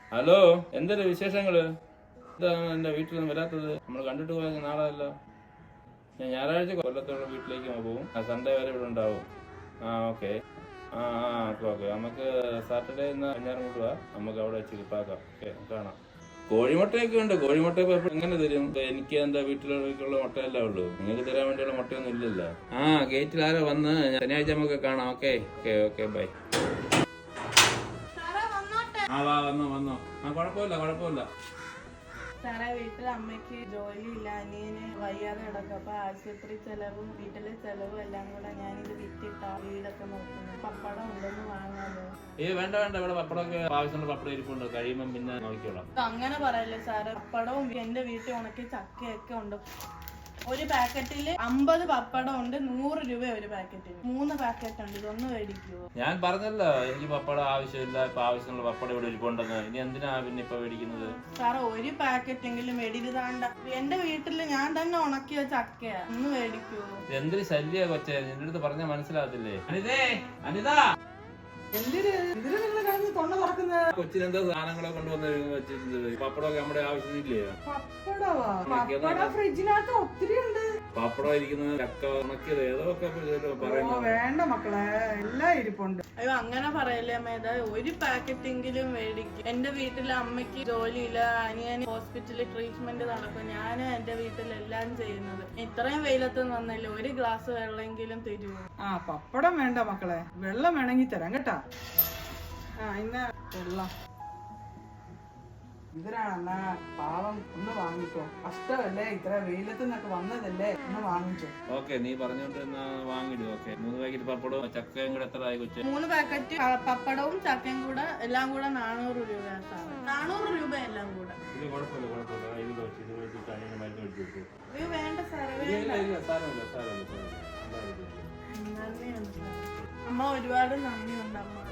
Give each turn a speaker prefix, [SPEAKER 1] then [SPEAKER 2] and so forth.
[SPEAKER 1] Hello, എന്തൊരു വിശേഷങ്ങള്? എന്താണ് എന്റെ വീട്ടിൽ നിന്ന് വരാത്തത്? നമ്മൾ കണ്ടിട്ട് പോയ നാളെയല്ലോ. ഞാൻ ഞായറാഴ്ച കൊല്ലത്തോളം വീട്ടിലേക്ക് പോകും. സൺഡേ വരെ ഇവിടെ ഉണ്ടാവും. ഓക്കെ. ഓക്കെ. നമുക്ക് സാറ്റർഡേ ഇന്ന് അഞ്ഞാറ് കൂട്ടുക. നമുക്ക് അവിടെ വെച്ച് കിട്ടാക്കാം. ഓക്കെ, കാണാം. കോഴിമുട്ടയൊക്കെ ഉണ്ട്. കോഴിമുട്ട ഇപ്പൊ എങ്ങനെ തരും? എനിക്ക് എന്റെ വീട്ടിലുള്ള മുട്ടയല്ലേ ഉള്ളൂ. നിങ്ങൾക്ക് തരാൻ വേണ്ടിയുള്ള മുട്ടയൊന്നും ഇല്ലല്ലോ. ഗേറ്റിൽ ആരോ വന്ന് ശനിയാഴ്ച നമുക്ക് കാണാം. Okay okay okay, bye. വന്നോ. കുഴപ്പമില്ല.
[SPEAKER 2] സാറേ, വീട്ടിൽ അമ്മയ്ക്ക് ജോലിയില്ല, അനിയന് വയ്യാതെ കിടക്കും. അപ്പൊ ആശുപത്രി ചെലവും വീട്ടിലെ ചെലവും എല്ലാം കൂടെ ഞാനിത് വിറ്റിട്ടാ വീടൊക്കെ നോക്കുന്നത്. പപ്പടം ഉണ്ടെന്ന് വാങ്ങാമോ?
[SPEAKER 1] വേണ്ട. ഇവിടെ പപ്പടമൊക്കെ ആവശ്യമുള്ള പപ്പടം ഇരിപ്പുണ്ട്. കഴിയുമ്പം പിന്നെ നോക്കിക്കോളാം.
[SPEAKER 2] അങ്ങനെ പറയല്ലേ സാറേ. പപ്പടവും എന്റെ വീട്ടിൽ ഉണക്കി ചക്കയൊക്കെ ഉണ്ട്. ഒരു പാക്കറ്റില് 50 പപ്പടം ഉണ്ട്. 100 രൂപ ഒരു പാക്കറ്റിന്. 3 പാക്കറ്റ് ഉണ്ട്. ഇതൊന്ന് മേടിക്കുവോ?
[SPEAKER 1] ഞാൻ പറഞ്ഞല്ലോ, എനിക്ക് പപ്പടം ആവശ്യമില്ല. ഇപ്പൊ ആവശ്യമുള്ള പപ്പടം ഇവിടെ ഇരിപ്പുണ്ടെന്ന്. ഇനി എന്തിനാ പിന്നെ ഇപ്പൊ മേടിക്കുന്നത്?
[SPEAKER 2] സാറേ, ഒരു പാക്കറ്റ് എങ്കിലും മേടിക്കാണ്ട. എന്റെ വീട്ടില് ഞാൻ തന്നെ ഉണക്കിയ ചക്കയാ. ഒന്ന് മേടിക്കുവോ?
[SPEAKER 1] എന്തൊരു ശല്യ കൊച്ചേ, നിന്റെ അടുത്ത് പറഞ്ഞാൽ മനസ്സിലാകത്തില്ലേ? അനിത, കൊച്ചിനെന്താ സാധനങ്ങളെ കൊണ്ടുവന്ന് വെച്ചിട്ടുണ്ട്? പപ്പടമൊക്കെ നമ്മുടെ ആവശ്യമില്ലേ?
[SPEAKER 2] ഫ്രിഡ്ജിനകത്ത് ഒത്തിരി ഉണ്ട്.
[SPEAKER 1] പപ്പടം ഇരിക്കുന്നത്, ചക്ക ഉണക്കിയത്, ഏതൊക്കെ പറയുന്നത്.
[SPEAKER 3] വേണ്ട മക്കളെ, എല്ലാം ഇരിപ്പുണ്ട്.
[SPEAKER 2] അയ്യോ, അങ്ങനെ പറയല്ലേ മേധ. ഒരു പാക്കറ്റ് എങ്കിലും മേടിക്കും. എന്റെ വീട്ടിലെ അമ്മയ്ക്ക് ജോലിയില്ല, അനിയന് ഹോസ്പിറ്റലിൽ ട്രീറ്റ്മെന്റ് നടക്കും. ഞാൻ എന്റെ വീട്ടിലെല്ലാം ചെയ്യുന്നത്. ഇത്രയും വെയിലത്ത് വന്നല്ലേ, ഒരു ഗ്ലാസ് വെള്ളമെങ്കിലും തരുമോ?
[SPEAKER 3] പപ്പടം വേണ്ട മക്കളെ, വെള്ളം വേണമെങ്കിൽ തരാം കേട്ടാ. ഇന്ന് വെള്ളം ഇതിനാണെന്നാ പാവം, ഒന്ന് വാങ്ങിക്കോ. കഷ്ടമല്ലേ, ഇത്ര വെയിലത്ത് നിന്നൊക്കെ വന്നതല്ലേ, ഒന്ന് വാങ്ങിച്ചോ.
[SPEAKER 1] ഓക്കെ, നീ പറഞ്ഞോണ്ട് വാങ്ങിടും. ഓക്കെ, 3 പാക്കറ്റ് പപ്പടവും ചക്കയും കൂടെ എത്ര ആയി കൊച്ചു?
[SPEAKER 2] 3 പാക്കറ്റ് പപ്പടവും ചക്കയും കൂടെ എല്ലാം കൂടെ 400 രൂപ സാറേ. 400 രൂപ എല്ലാം കൂടെ. അയ്യോ വേണ്ട സാറേ, നന്ദിയുണ്ട് സാറേ. അമ്മ ഒരുപാട് നന്ദിയുണ്ട് അമ്മ.